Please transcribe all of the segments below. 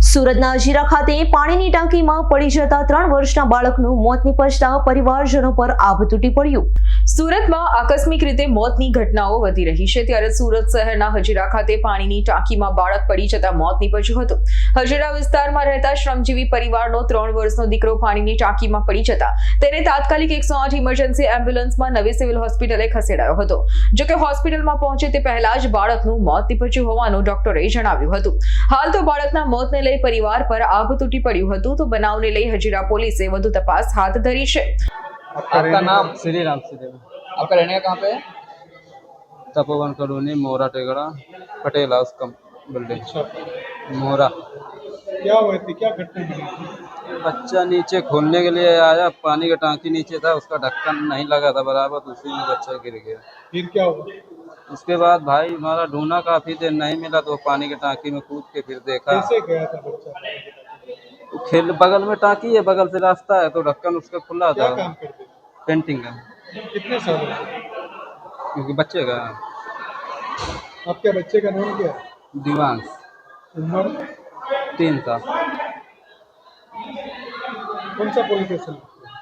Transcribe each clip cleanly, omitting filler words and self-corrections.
સુરતના હજીરા ખાતે પાણીની ટાંકીમાં પડી જતા 3 વર્ષના બાળકનું મોત નિપજતા પરિવારજનો પર આભ તૂટી પડ્યું। સુરતમાં આકસ્મિક રીતે મોતની ઘટનાઓ વધી રહી છે, ત્યારે સુરત શહેરના હજીરા ખાતે પાણીની ટાંકીમાં બાળક પડી જતા મોત નીપજ્યું હતું। હજીરા વિસ્તારમાં રહેતા શ્રમજીવી પરિવારનો 3 વર્ષનો દીકરો પાણીની ટાંકીમાં પડી જતા તેને તાત્કાલિક 108 ઇમરજન્સી એમ્બ્યુલન્સમાં નવી સિવિલ હોસ્પિટલે ખસેડાયો હતો। જોકે હોસ્પિટલમાં પહોંચે તે પહેલા જ બાળકનું મોત નીપજ્યું હોવાનું ડોક્ટરે જણાવ્યું હતું। હાલ તો બાળકના મોતને લઈ परिवार पर आभ तूटी पड़્યું હતું, तो बनाव ने लई हजीरा पुलिसे વધુ तपास हाथ धरी છે। आपका नाम? श्री राम श्रीदेव। आपका रहने का कहाँ पे है? Tapovan colony, Mora Tegda, Patel house cum building, Mora. क्या हुआ थी, क्या घटना हुई? बच्चा नीचे खोलने के लिए आया, पानी का टांकी नीचे था, उसका ढक्कन नहीं लगा था बराबर, तो उसी में बच्चा गिर गया। फिर क्या हुआ? उसके बाद भाई हमारा ढूंढा, काफी देर नहीं मिला, तो पानी की टांकी में कूद के फिर देखा। कैसे गया था बच्चा? खेल बगल में टांकी है, बगल से रास्ता है, तो ढक्कन उसका खुला क्या था। काम करते थे? पेंटिंग का। कितने साल के? क्योंकि बच्चे का आपके बच्चे का नाम क्या है? दिवांश, उम्र? 3 साल। कौन सा पुलिस स्टेशन?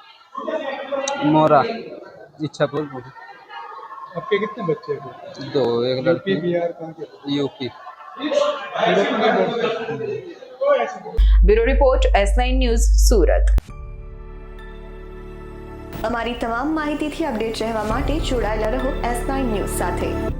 मोरा इच्छापुर। आपके कितने बच्चे हैं? 2, एक यूपी लड़की। बिहार कहाँ के? यूपी। सूरत में बोलते? Bureau report S9 news Surat. અમારી તમામ માહિતીથી અપડેટ રહેવા માટે જોડાયેલા રહો S9 ન્યૂઝ સાથે।